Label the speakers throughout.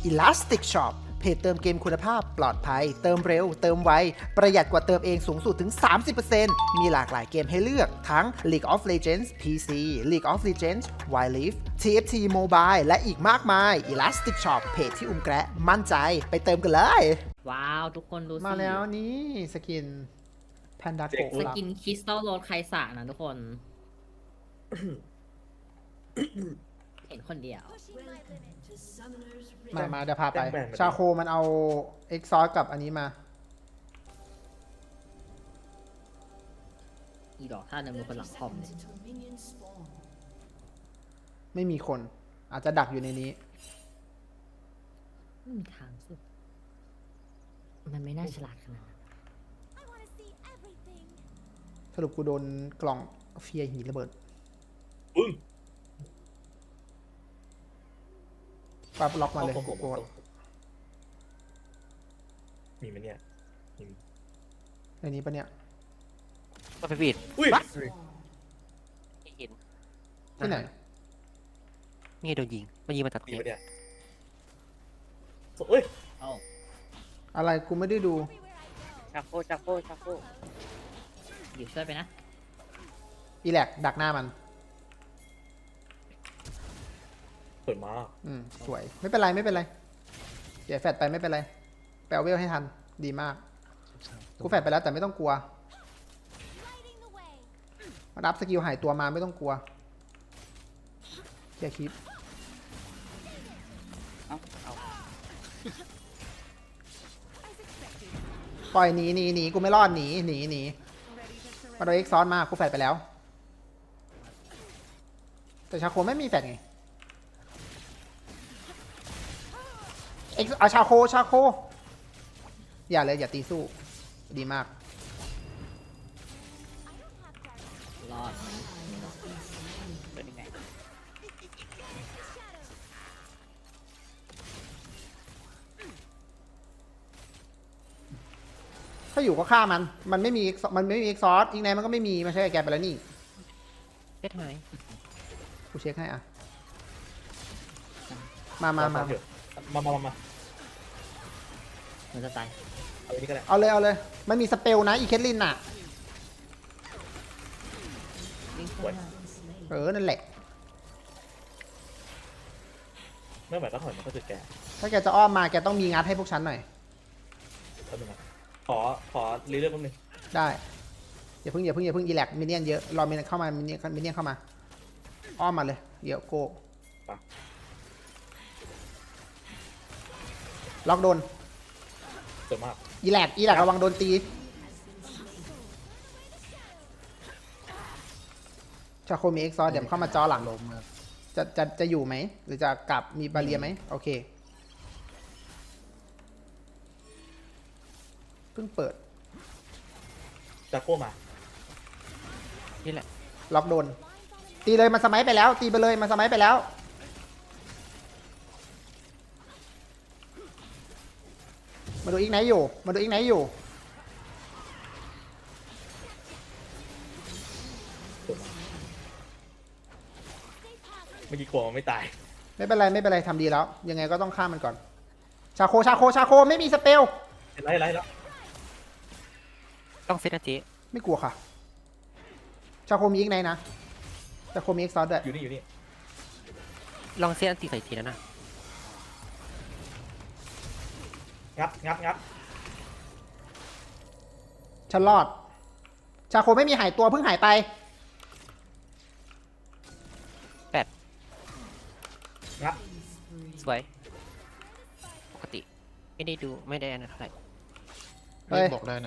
Speaker 1: Elastic Shop เพจเติมเกมคุณภาพปลอดภัยเติมเร็วเติมไวประหยัดกว่าเติมเองสูงสุดถึง 30% มีหลากหลายเกมให้เลือกทั้ง League of Legends PC League of Legends Wild Rift TFT Mobile และอีกมากมาย Elastic Shop เพจที่แกะมั่นใจไปเติมกันเลย
Speaker 2: ว้าวทุกคนดูสิ
Speaker 1: มาแล้วนี่สกินแพนดาโกะ
Speaker 2: สกินคริสตัลโรดไคสะนะทุกคน เห็นคนเดียว
Speaker 1: มาเดี๋ยวพาไป ชาโคมันเอาเอ็กซอสกับอันนี้มา
Speaker 2: อีดอกท่าเดินมือคนหลังคอมเนี่ย
Speaker 1: ไม่มีคนอาจจะดักอยู่ในนี้
Speaker 2: ไม่มีทางสุดมันไม่น่าฉลาดขนาดนั้น
Speaker 1: สรุปกูโดนกล่องเฟียร์หินระเบิด
Speaker 3: อึ้ง
Speaker 1: ปั๊บล็อกมาเลย
Speaker 3: โอ้โห
Speaker 1: กูกด
Speaker 3: มีไหมเนี่ยมี
Speaker 1: ในนี้ปะเนี่ย
Speaker 4: ก็ไปบีด
Speaker 3: อุ้ย
Speaker 4: ไม่เห็น
Speaker 1: ที่ไหน
Speaker 4: นี่โดนยิงมันยิงมาจาก
Speaker 3: มี
Speaker 4: เตีย
Speaker 3: ไหม
Speaker 4: ง
Speaker 3: เนี่ยเอ้ย
Speaker 2: เอ้า
Speaker 1: อะไรกูไม่ได้ดู
Speaker 4: ชาโคชาโคชาโค
Speaker 2: อยู่ช่วยไปนะ
Speaker 1: อีแลกดักหน้ามัน
Speaker 3: สวยมาก
Speaker 1: สวยไม่เป็นไรไม่เป็นไรเดี๋ยวแฟดไปไม่เป็นไรแปลเวลให้ทันดีมากกูแฟดไปแล้วแต่ไม่ต้องกลัวมารับสกิลหายตัวมาไม่ต้องกลัวอย่าคิดปล่อยหนีกูไม่รอดหนีมาโดนเอ็กซอนมากูแฟดไปแล้ว แต่ชาโคไม่มีแฟดไงเอ็กเอาชาโคอย่าเลยอย่าตีสู้ดีมาก
Speaker 2: รอดไหม
Speaker 4: เป็นยังไง
Speaker 1: ถ้าอยู่ก็ฆ่ามันไม่มีเอ็กซอสอีกไนมันก็ไม่มีมาใช่แกไปแล้วนี่
Speaker 4: เฮ็ดไหม
Speaker 1: กูเช็คให้อ่ะมา
Speaker 3: เถอะมา
Speaker 2: มันจะตาย
Speaker 3: เอาอันนี้ก็ได้
Speaker 1: เอาเลยมันมีสเปลนะอีเคทลินน่ะ
Speaker 2: วิ่งเข้าหน้า
Speaker 1: นั่นแหละ
Speaker 3: ไม่ไหวก็ถอยมันก็จะแก่
Speaker 1: ถ้าแกจะอ้อมมาแกต้องมีงัดให้พวกฉันหน่อย
Speaker 3: แป๊บนึงนะขอรีเลือกแป๊บนึง
Speaker 1: ได้อย่าเพิ่งอีแลกมินเนี่ยนเยอะรอมินเข้ามามินเนี่ยนเข้ามาอ้อมมาเลยเดี๋ยวโกล็อกโดน
Speaker 3: สวยมาก
Speaker 1: อีแลกระวังโดนตีชาโคมีเอ็กซอสเดี๋ยวเข้ามาจอหลังจะอยู่ไหมหรือจะกลับมีบาเรียไหมโอเคเพิ่งเปิด
Speaker 3: จากโก้มา
Speaker 4: นี่แหละ
Speaker 1: ล็อกโดนตีเลยมันสมัยไปแล้วตีไปเลยมันสมัยไปแล้วมาดูอีกไหนอยู่
Speaker 3: สวยมากเมื่อกี้กลัวมันไม่ตาย
Speaker 1: ไม่เป็นไรทำดีแล้ว ยังไงก็ต้องฆ่ามันก่อน ชาโคไม่มีสเปล
Speaker 3: ไล่แล้ว
Speaker 4: ต้องเซตนะเจ๊
Speaker 1: ไม่กลัวค่ะ ชาโคมีอีกไหนนะชาโคมีเอ็กซอสด้วย
Speaker 3: อยู่นี่
Speaker 4: ลองเซตอันตีใส่ทีแล้วนะ
Speaker 3: งับ
Speaker 1: ฉันรอด ชาโคไม่มีหายตัวเพิ่งหายไป
Speaker 3: งับ
Speaker 4: สวยปกติไม่ได้ดูไม่ได้อันนั้นเท่าไหร่
Speaker 1: เฮ้ย
Speaker 5: บอกได้นะ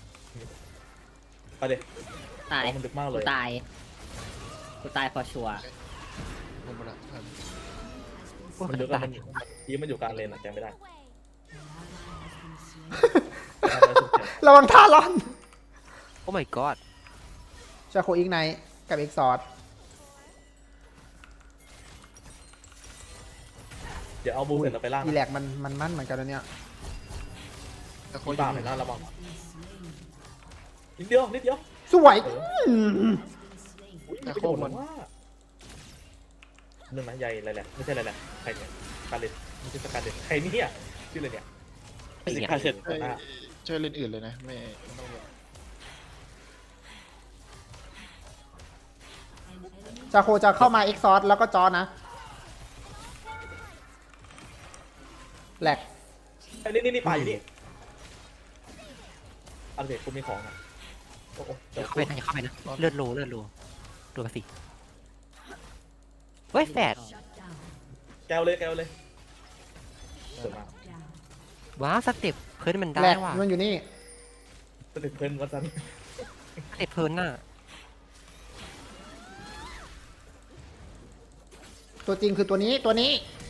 Speaker 3: ไปเลย
Speaker 2: ตาย
Speaker 3: มันดึกมากเลย
Speaker 2: กูตายพอชัวร์
Speaker 5: ผมมาละทัน
Speaker 3: มันดึกแล้วมันอยู่กลางเลนอะแกไม่ได้
Speaker 1: ระวังท่าร้อน
Speaker 4: โอ้ my god
Speaker 1: ชาโคอีกไหนกับเอ็กซอส
Speaker 3: เดี๋ยวเอาบูเสร็จแล้วไปล่าง
Speaker 1: อีแลกมันมั่นเหมือนกันนะเนี่ย
Speaker 5: แต่โค
Speaker 3: มี
Speaker 5: ตร
Speaker 3: บ้า
Speaker 5: อ
Speaker 3: เหมื
Speaker 5: ยู่
Speaker 3: อนกันระวังนิดเดียว
Speaker 1: สวย
Speaker 3: แต่โคตรว่าเรื่องนั้นใหญ่อะไรแหละไม่ใช่อะไรแหละใครเนี่ยการเล่นมันจะสกัดเด็ดใครเนี่ยชื่ออะไรเนี่ย
Speaker 4: ไอ้เนี่ย
Speaker 3: สกัดเด็ด
Speaker 5: ช่วยช่วยเล่นอื่นเลยนะไม่ต้องแบบ
Speaker 1: จาโคจะเข้ามาเอ็กซอร์แล้วก็จอนะแหลก
Speaker 3: นี่ไปอยู่นี่อันเด็ดกูมีของอ่ะโอ้โห
Speaker 4: อย่าเข้าไปนะอย่าเข้าไปนะเลือดโลดูกันสิเฮ้ยแฝด
Speaker 3: แก้วเลยสวยมาก
Speaker 4: ว้าวสเต็ปเพิ่นมัน
Speaker 1: แหล
Speaker 4: ได้
Speaker 1: ก
Speaker 4: ว่ะ
Speaker 1: มันอยู่นี่
Speaker 3: สเต็ปเพลินวัดซัน
Speaker 4: สเต็ปเพิ่นน่ะ
Speaker 1: ตัวจริงคือตัวนี้
Speaker 3: นี่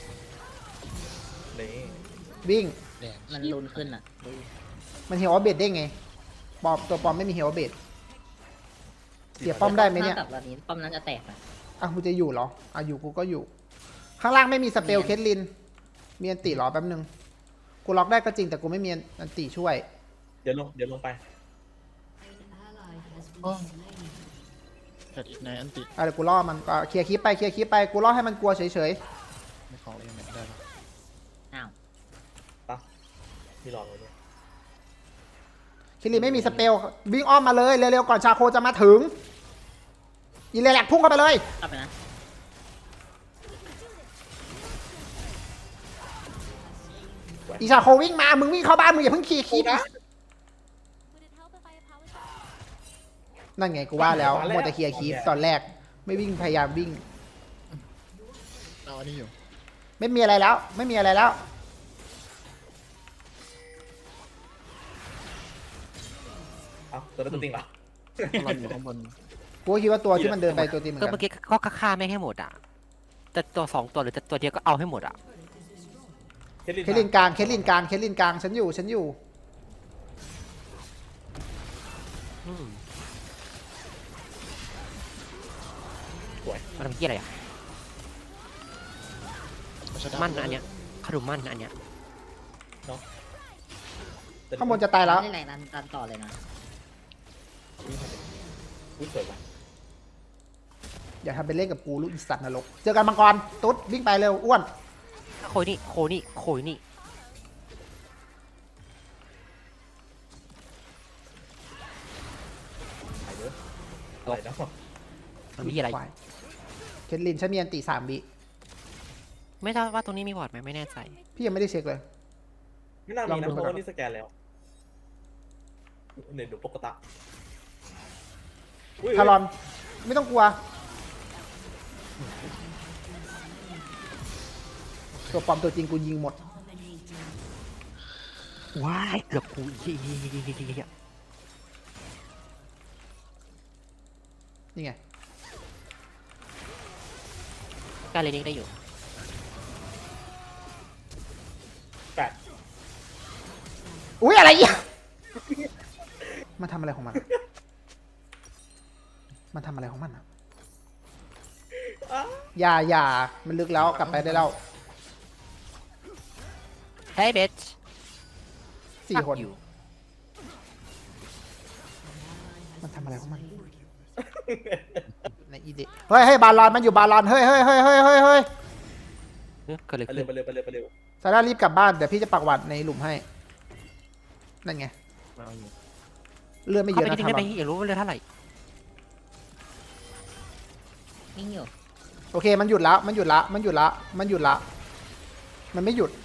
Speaker 1: วิ่ง
Speaker 5: แดง
Speaker 2: มันลุนขึ้นอ่ะ
Speaker 1: มันเฮลเบดได้ไงปอมตัวปอมไม่มีเฮลเบดเสียป้อมได้ไหมเนี่ย
Speaker 2: ถ้ากับแบบนี้ป้อมนั้นจะแตกอ่ะ
Speaker 1: อ่ะกูจะอยู่เหรออ่ะอยู่กูก็อยู่ ข้างล่างไม่มีสเปลเคทลินมีอันติเหรอแป๊บนึงกูล็อกได้ก็จริงแต่กูไม่มีอันติช่วย
Speaker 3: เดี๋ยวลงไป
Speaker 5: อ๋อแพทอีกในอันติ
Speaker 1: อ่ะเดี๋ยวกูล่อมันก็เคลียร์คลิปไปกูล่อให้มันกลัวเฉย
Speaker 5: ไม่ของเองไม่ได้หรอก
Speaker 2: อ้าว
Speaker 3: ปะมีหลอดไว้เนี่ย
Speaker 1: ๆเคทลินไม่มีสเปลวิ่งอ้อมมาเลยเร็วๆก่อนชาโคจะมาถึงอีเลแลกพุ่งเข้าไปเลย
Speaker 2: กลับไปนะ
Speaker 1: อีชาโควิ่งมามึงวิ่งเข้าบ้านมึงอย่าเพิ่งขี่คลิปนั่นไงกูว่าแล้วมัวแต่เคลียร์คลิปตอนแรกไม่วิ่งพยายามวิ่ง
Speaker 5: เอาอันนี้อยู่
Speaker 1: ไม่มีอะไรแล้ว ไม่มีอะไรแล้ว
Speaker 3: เอ้าตัวนั้นตัวจริงเหรอ
Speaker 5: เราอยู่ข้างบน
Speaker 1: กูก็คิดว่าตัวที่มันเดินไปตัวจริงเหมือน
Speaker 4: ก็
Speaker 1: กัน
Speaker 4: เมื่อกี้ก็ฆ่าไม่งให้หมดอ่ะแต่ตัวสองตัวหรือตัวเดียวก็เอาให้หมดอ่ะ
Speaker 1: เคทลินกลางฉันอยู่
Speaker 4: อืม
Speaker 3: สวย
Speaker 4: มันทำเกี้ยอะไรอ่ะ
Speaker 5: เอาชะ
Speaker 4: มั่นนะอันเนี้ยขนมมั่นนะอันเนี้ย
Speaker 1: ข้างบนจะตายแล้ว
Speaker 2: ไม่ไหนดันต่อเลยนะ
Speaker 3: อุ้ยสวยว่ะ
Speaker 1: อย่าทำเป็นเล่นกับกูลูกอีสัตว์นรกเจอกันมังกรตุ๊ดวิ่งไปเร็วอ้วน
Speaker 4: โคยนี่
Speaker 3: ไปเยอะอะไรนะ
Speaker 4: มันมีอะไร
Speaker 1: เคทลินฉันมีอันติ3 วิ
Speaker 4: ไม่ทราบว่าตรงนี้มีวอร์ดไหมไม่แน่ใจ
Speaker 1: พี่ยังไม่ได้เช็คเลย
Speaker 3: ไม่น่า
Speaker 1: ลอ
Speaker 3: มี
Speaker 1: ง
Speaker 3: นะ
Speaker 1: ดู
Speaker 3: เพราะว่านี่สแกนแล้วเนี่ยดูปกติอุ้ย
Speaker 1: ทารอนไม่ต้องกลัว ตัวปลอมตัวจริงกูยิงหมด
Speaker 4: ว้ายเกือบกูเหี้ย
Speaker 1: นี่ไง
Speaker 4: การเล่นนี้ได้อยู่
Speaker 3: แปด
Speaker 1: อุ้ยอะไรอ่ะมันทำอะไรของมันอะมันทำอะไรของมันอ่ะอย่ามันลึกแล้วกลับไปได้แล้ว
Speaker 4: เฮ้ยเบส
Speaker 1: 4 คน
Speaker 4: อยู่
Speaker 1: มันทำอะไรของมันในอีเดเฮ้ยบาลอนมันอยู่บาลอนเฮ้ย
Speaker 4: ก็เลย
Speaker 3: ไป
Speaker 4: ขึ้น
Speaker 3: เร็ว
Speaker 1: ซาร่ารีบกลับบ้านเดี๋ยวพี่จะปักหวัดในหลุมให้นั่นไง
Speaker 4: มาเอาอยู่
Speaker 1: เลือดไม่เย
Speaker 4: เข้า
Speaker 1: อะ
Speaker 4: ไป
Speaker 1: นะ
Speaker 4: จริง
Speaker 1: ทา
Speaker 4: ได้
Speaker 1: ร
Speaker 4: ไหม
Speaker 1: อน
Speaker 4: อยากรู้ว่าเรือเท่าไหร่
Speaker 2: นิ่งอยู่
Speaker 1: โอเคมันหยุดแล้วมันไม่หยุด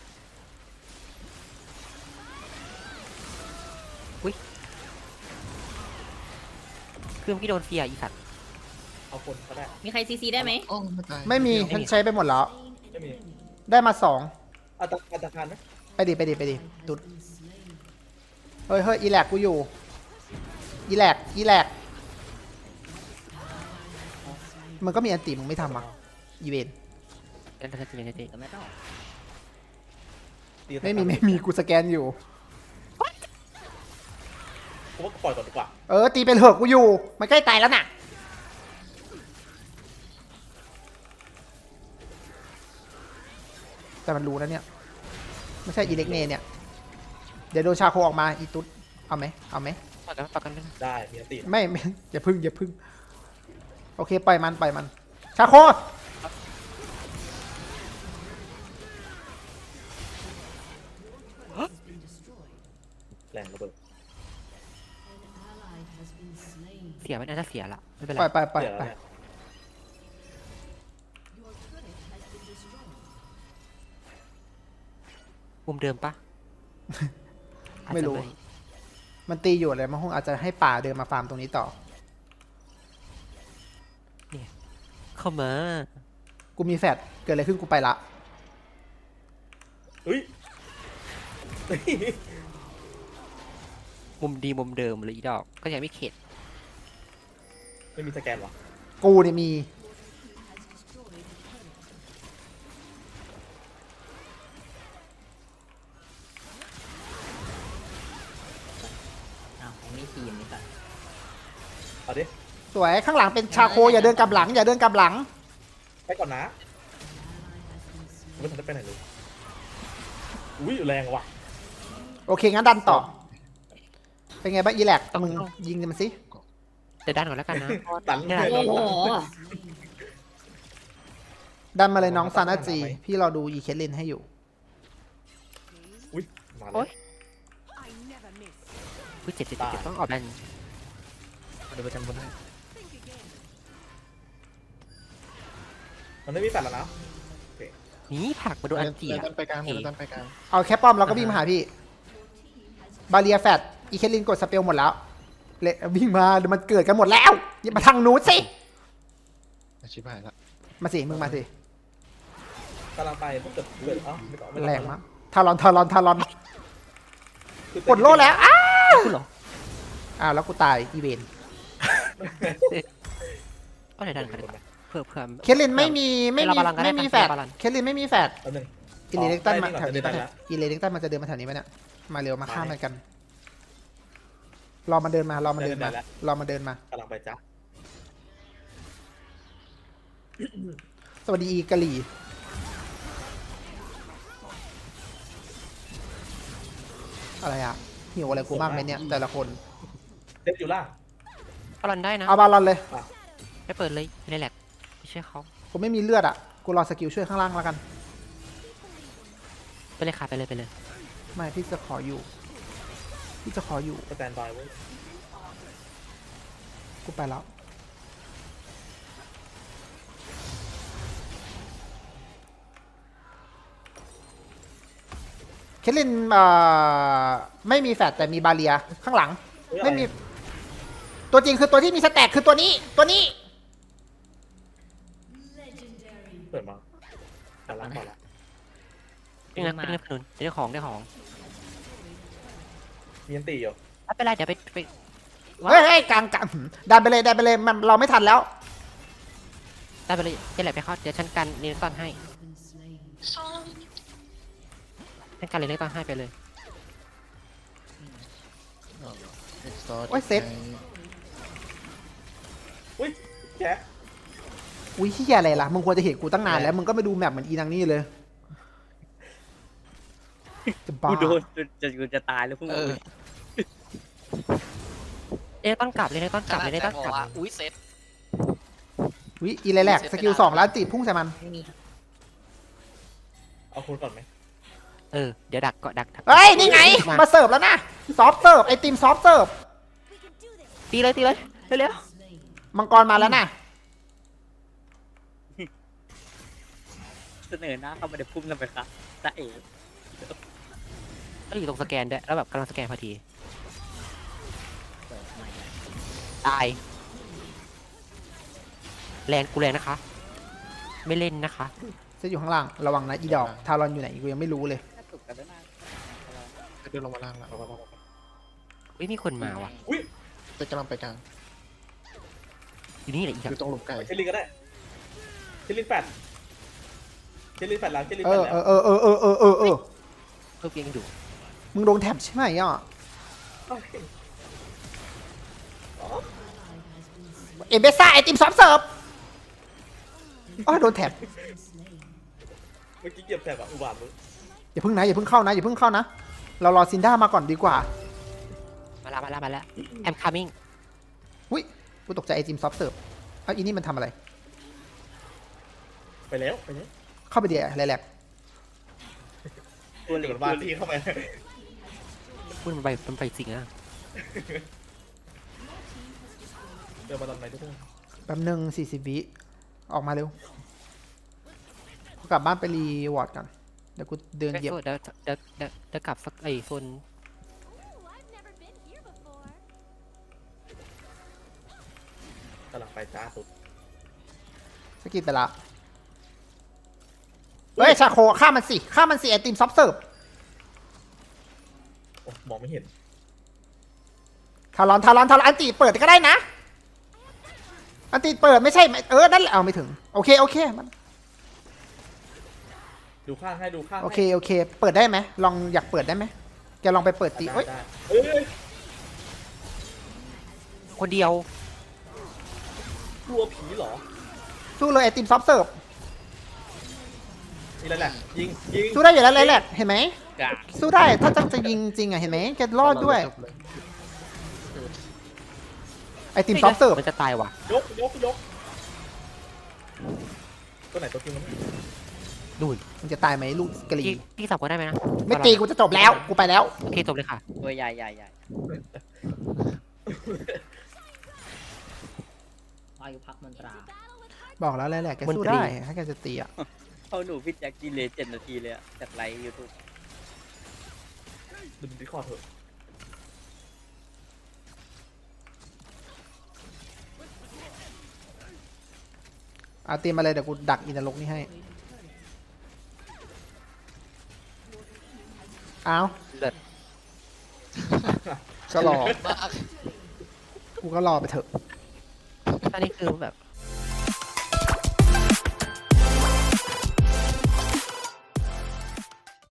Speaker 4: คือเมื่อกี้โดนเฟียอีสัตว์
Speaker 3: ๆเอาคนก็ได้
Speaker 2: มีใครซีซีได้ไหม
Speaker 5: โอ้ไม่ตาย
Speaker 1: ไม่มี
Speaker 4: ไม่มี
Speaker 1: ฉันใช้ไปหมดแล้ว
Speaker 3: ไม่มี
Speaker 1: ได้มา2
Speaker 3: อัตราการไหม
Speaker 1: ไปดิตุดเฮ้ยอีแลกกูอยู่อีแลกมันก็มีอันติมึงไม่ทำอ่ะอีเวน
Speaker 4: เล่นจริง
Speaker 2: ก็ไม่ต้อง
Speaker 3: ตี
Speaker 1: ไม่มีกูสแกนอยู่
Speaker 3: ผมว่าปล่อยก่อนดีกว่า
Speaker 1: ตีเป็นเหอะกูอยู่ มันใกล้ตายแล้วน่ะ แต่มันรู้นะเนี่ย ไม่ใช่อีเล็กเนเนี่ย เดี๋ยวโดนชาโคออกมาอีตุ๊ดเอาไหม
Speaker 4: ประกันไม่ได้
Speaker 3: ได้มีอันตี
Speaker 1: ไม่ อย่าพึ่งโอเคปล่อยมันชาโค
Speaker 3: แรงระเบิด
Speaker 4: เสียมันน่าจะเสียละไม่เป็นไร
Speaker 1: ปล่อย
Speaker 3: เดี๋ยว
Speaker 1: ไป
Speaker 3: เนี่ย
Speaker 4: มุมเดิมปะ
Speaker 1: ไม่รู้
Speaker 4: อาจจะ
Speaker 1: มันตีอยู่เลยมันคงอาจจะให้ป่าเดินมาฟาร์มตรงนี้ต่อ
Speaker 4: เข้ามา
Speaker 1: กูมีแฟดเกิดอะไรขึ้นกูไปละ
Speaker 3: เฮ้ย
Speaker 4: มุมดีมุมเดิมเลยอีดอกก็ยังไม่เข็ด
Speaker 3: ไม่มีสแกนวะ
Speaker 1: กูเนี่ยมี
Speaker 2: อ้าวไม่ทีมนี่ก่อน
Speaker 3: เอาดิ
Speaker 1: สวยข้างหลังเป็นชาโคอย่าเดินกลับหลัง อย่าเดินกลับหลัง
Speaker 3: ไปก่อนนะไม่ทันได้ไปไหนเลยอุ้ยแรงว่ะ
Speaker 1: โอเคงั้นดันต่อ เป็นไงบ้างอีแลกมึงยิงมันสิ
Speaker 4: เดี๋ยวด้านก่อนแล้วกันนะ
Speaker 3: ตัน
Speaker 4: ได้
Speaker 2: โอ้โห
Speaker 1: ดันมาเลยน้องซานาจี พี่รอดูอีเคทลินให้อยู่
Speaker 3: อุ้ยมาเล
Speaker 4: โอ๊
Speaker 3: ย
Speaker 4: ย อุ้ยเจ็บต้องออกแบน
Speaker 5: เดี๋ยวไปกันบนให้
Speaker 3: มันไม่มีแฟลชแล้วนะ
Speaker 4: นี่ผลักมาโดนอันจี
Speaker 5: เดี๋ยว
Speaker 4: อะ
Speaker 5: ดันไปกลางเดี๋ยวดันไปกลาง
Speaker 1: เอาแค่ป้อมเราก็วิ่งมาหาพี่ บาเรียแฟดอีเคทลินกดสเปลหมดแล้วเละวิ่งมาเดี๋ยวมันเกิดกันหมดแล้วอย่ามาทางนู้นสิ
Speaker 5: อาชิบหายละ
Speaker 1: มาสิมึงมาสิ
Speaker 3: กำลังไปถ้าเกิดเอ้าไม่ต่อไม่ต่อ
Speaker 1: แรงมากทารอน
Speaker 3: คือก
Speaker 1: ดโล่แล้วอ้า
Speaker 4: คุณเหรอ
Speaker 1: อ้าวแล้วกูตายอีเวน
Speaker 4: ก็เดี๋ยวดันกันดีกว่าเผื่อ
Speaker 1: เคทลินไม่มี
Speaker 4: เราบาลานซ์กันได้
Speaker 1: ไม่มี
Speaker 4: ปะ
Speaker 1: แฟด
Speaker 4: เราบาลานซ์
Speaker 1: เคทลินไม่มีแฟด
Speaker 3: แป๊บนึง
Speaker 1: อีเลเล็กตันมา
Speaker 3: ได้
Speaker 1: แถวนี้
Speaker 3: ได้
Speaker 1: ปะ
Speaker 3: แล้ว
Speaker 1: อีเลเล็กตันมันจะเดินมาแถวนี้ปะเนี่ยมาเร็วมาข้ามกันรอมันเดินมารอมันเดินมารอมันเดินมา
Speaker 3: กำลังไปจ้ะ
Speaker 1: สวัสดีอีกะหรี่อะไรอ่ะหิวอะไรกูมากไหมเนี่ยแต่ละคน
Speaker 3: เซฟอยู่ล่าง
Speaker 4: ก็รันได้นะ
Speaker 1: เอาบาลอนเลย
Speaker 4: ไม่เปิดเลยไม่ได้แหลกไม่ใช่เขา
Speaker 1: กูไม่มีเลือดอ่ะกูรอสกิลช่วยข้างล่างแล้วกัน
Speaker 4: ไปเลยค่ะไปเลย
Speaker 1: ไม่พี่จะขออยู่พี่จะขออยู่
Speaker 3: สแตนบายไว้
Speaker 1: กูไปแล้วเคทลินไม่มีแฟดแต่มีบาเรียข้างหลัง ไม่มี ตัวจริงคือตัวที่มีสแต็กคือตัวนี้
Speaker 3: เปิดมาแต่ล้างก่อนละ
Speaker 4: นี่นะเป็นเรื่องขนุนได้ของ
Speaker 3: มีอันตีอยู่
Speaker 4: ไม่เป็นไรเดี๋ยวไป
Speaker 1: เฮ้ยกลางดันไปเลยมันเราไม่ทันแล้ว
Speaker 4: ได้ไปเลยได้แหลกไปเข้าเดี๋ยวฉันกันเนลตันให้ฉันกันเนลตันให้ไปเลย
Speaker 5: เอ็กซ์ตอร์
Speaker 1: โอ้ยเซ็ต
Speaker 3: อุ้ยแจ๊ะ
Speaker 1: อุ้ยเฮียอะไรล่ะมึงควรจะเห็นกูตั้งนานแล้วมึงก็ไม่ดูแมปเหมือนอีนางนี่เลยจะบ้า
Speaker 6: กูโดนกูจะตายแล้วพวกมึง
Speaker 4: เนลตันกลับเลยเนลตันกลับเลยเนลตันกลับ
Speaker 6: อุ้ยเซ็ต
Speaker 1: อุ้ยอีไรแหลกสกิล2แล้วจีบพุ่งใส่มัน
Speaker 2: ไม่มี
Speaker 3: เอาคุณก่อนไหม
Speaker 4: เดี๋ยวดักก็ดัก
Speaker 1: เฮ้ยนี่ไงมาเสิร์ฟแล้วนะซอฟเสิร์ฟไอติมซอฟเสิร์ฟ
Speaker 4: ตีเลยเร็ว
Speaker 1: มังกรมาแล้วนะ
Speaker 6: เสนอหน้าเข้ามาเดี๋ยวพุ่มกันไปครับตาเอ๋
Speaker 4: ก็อยู่ตรงสแกนด้วยแล้วแบบกำลังสแกนพอดีตายแรงกูแรงนะคะ ไม่เล่นนะคะ
Speaker 1: จะอยู่ข้างล่างระวังนะอีดอกทารอนอยู่ไหนกูยังไม่รู้เลย
Speaker 6: ถูกกันแล้วนะ
Speaker 5: เดินลงมาล่างแล้ว
Speaker 4: อุ้ยมีคนมาว่ะ
Speaker 3: อุ้ย
Speaker 5: ไปกำลังไปกลาง
Speaker 4: อยู่นี่แหละอีก
Speaker 5: อยู่ตรงหลุมไก่
Speaker 3: เชลินก็ได้เชลินแฟดหลังเชลิน
Speaker 1: เอ
Speaker 3: แฟด
Speaker 1: อ
Speaker 3: แล้ว
Speaker 1: เออ
Speaker 4: เพิ่มยังอยู่
Speaker 1: มึงโดนแท็บใช่ไหมอ่ะเอเบซ่าไอติมซอฟเสิร์ฟอ๋อโดนแท็บ
Speaker 3: เมื่อกี้เหยียบแถบอะอุบาทมึง
Speaker 1: อย่าเพิ่งเข้านะเรารอซินด้ามาก่อนดีกว่า
Speaker 4: มาแล้ว I'm coming
Speaker 1: อุ้ยกูตกใจไอติมซอฟเสิร์ฟเอ้าอีนี่มันทำอะไร
Speaker 3: ไปแล้ว
Speaker 1: เข้าไปเดียวอะไรแหลก
Speaker 3: ตัวเหลือบ้านที่เข้าไป
Speaker 4: พูดมันไปจริงอะ
Speaker 3: เดินมาตอนไหนทุกคน
Speaker 1: แป๊บหนึ่ง40 วิออกมาเร็วกูกลับบ้านไปรีวอร์ดกันเดี๋ยวกูเดิน
Speaker 4: ไม่
Speaker 1: เหยียบ
Speaker 4: โทษเดี๋ยวกลับสักไอ้โซน
Speaker 3: กำลังไปจ้าสุด
Speaker 1: สกิดไปละเฮ้ยชาโคฆ่ามันสิฆ่ามันสิไอติมซอฟเสิร์ฟ
Speaker 3: โอ้มองไม่เห็น
Speaker 1: ทารอนอันติเปิดก็ได้นะอันติเปิดไม่ใช่นั่นแหละเอาไม่ถึงโอเคมัน
Speaker 3: ดูข้างให้ดูข้างให้
Speaker 1: โอเคเปิดได้ไหมลองอยากเปิดได้ไหมแกลองไปเปิดตี
Speaker 3: ได้
Speaker 1: เอ้ย
Speaker 3: ได้เอ้ย
Speaker 4: คนเดียว
Speaker 3: กลัวผีเหรอ
Speaker 1: สู้เลยไอติมซอฟเสิร์ฟ
Speaker 3: นี่แหละยิง
Speaker 1: สู้ได้อยู่แล้วเลยแหละเห็นไหม
Speaker 6: กะ
Speaker 1: สู้ได้ถ้าจะยิงจริงอ่ะเห็นไหมแกรอดด้วย
Speaker 5: จบเลย
Speaker 1: ไอติมซอฟเสิร์ฟ
Speaker 4: มันจะตายว่ะ
Speaker 3: ยกตัวไหนตัวจริงมัน
Speaker 4: ดูน
Speaker 1: มันจะตายไหมลูกกะหรี่
Speaker 4: พี่สับก็ได้ไหมนะ
Speaker 1: ไม่ตีกูจะจบแล้วกูไปแล้ว
Speaker 4: โอเคจบเลยค่ะ
Speaker 6: ตัวใหญ่
Speaker 2: อายุพักมันตรา
Speaker 1: บอกแล้วแหละแกสู้ได้ถ้าแกจะตีอ่ะ
Speaker 6: เขาหนูพี่แจ็คกินเลย7 นาทีเลยอะจากไลฟ์ยูทูบ
Speaker 3: ดูดิคอร์ดเถอะ
Speaker 1: เอาตีมาเลยเดี๋ยวกูดักอินทรกนี่ให้เอา
Speaker 4: เลิศ
Speaker 1: ก็รอกูก็รอไปเถอะ
Speaker 4: ตอนนี้คือแบบ